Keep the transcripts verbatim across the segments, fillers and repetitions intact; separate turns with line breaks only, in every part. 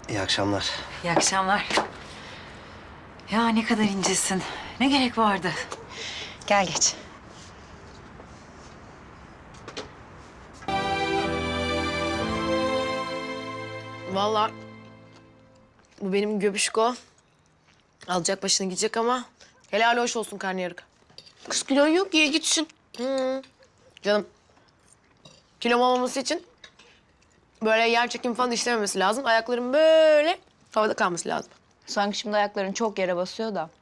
İyi akşamlar.
İyi akşamlar. Ya ne kadar incesin. Ne gerek vardı?
Gel geç.
Vallahi bu benim göbüşko. Alacak başını gidecek ama helal hoş olsun karnıyarık. Kız kilon yok, ye gitsin. Hı. Canım, kilom olmaması için böyle yer çekimi falan işlememesi lazım. Ayaklarım böyle havada kalması lazım.
Sanki şimdi ayakların çok yere basıyor da.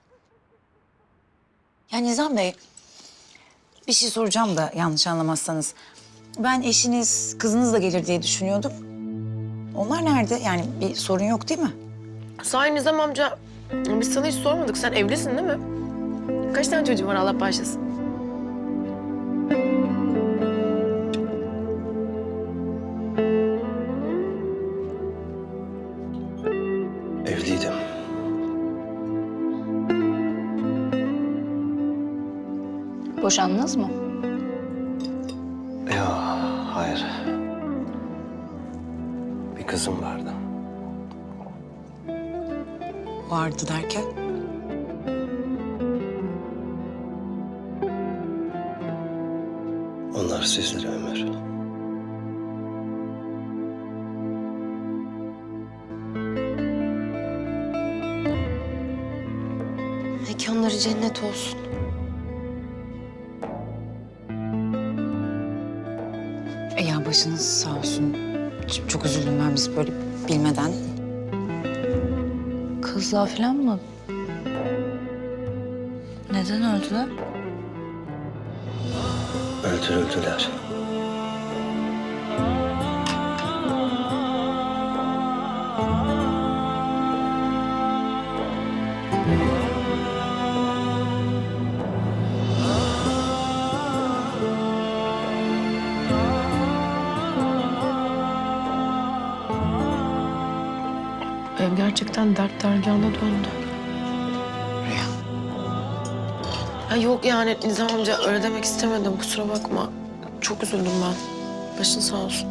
Ya Nizam Bey, bir şey soracağım da yanlış anlamazsanız. Ben eşiniz, kızınız da gelir diye düşünüyordum. Onlar nerede? Yani bir sorun yok değil mi?
Sahi Nizam amca, biz sana hiç sormadık. Sen evlisin değil mi? Kaç tane çocuğun var Allah bağışlasın?
Evliydim.
Boşandınız mı?
Yok, hayır. Bir kızım vardı.
Vardı derken?
Onlar sizlere ömür.
Mekanları cennet olsun.
E ya başınız sağ olsun. Ç- Çok üzüldüm ben biz böyle bilmeden. Kızlar falan mı? Neden öldüler?
Öldürüldüler.
Ev gerçekten dert dergahına döndü.
Rüya.
Ha yok yani Nizam amca öyle demek istemedim kusura bakma. Çok üzüldüm ben. Başın sağ olsun.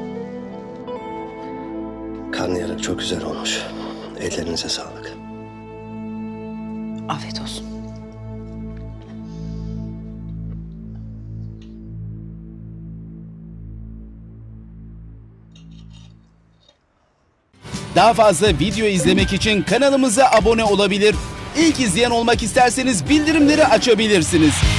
Karnıyarık çok güzel olmuş. Ellerinize sağlık.
Afiyet olsun.
Daha fazla video izlemek için kanalımıza abone olabilir. İlk izleyen olmak isterseniz bildirimleri açabilirsiniz.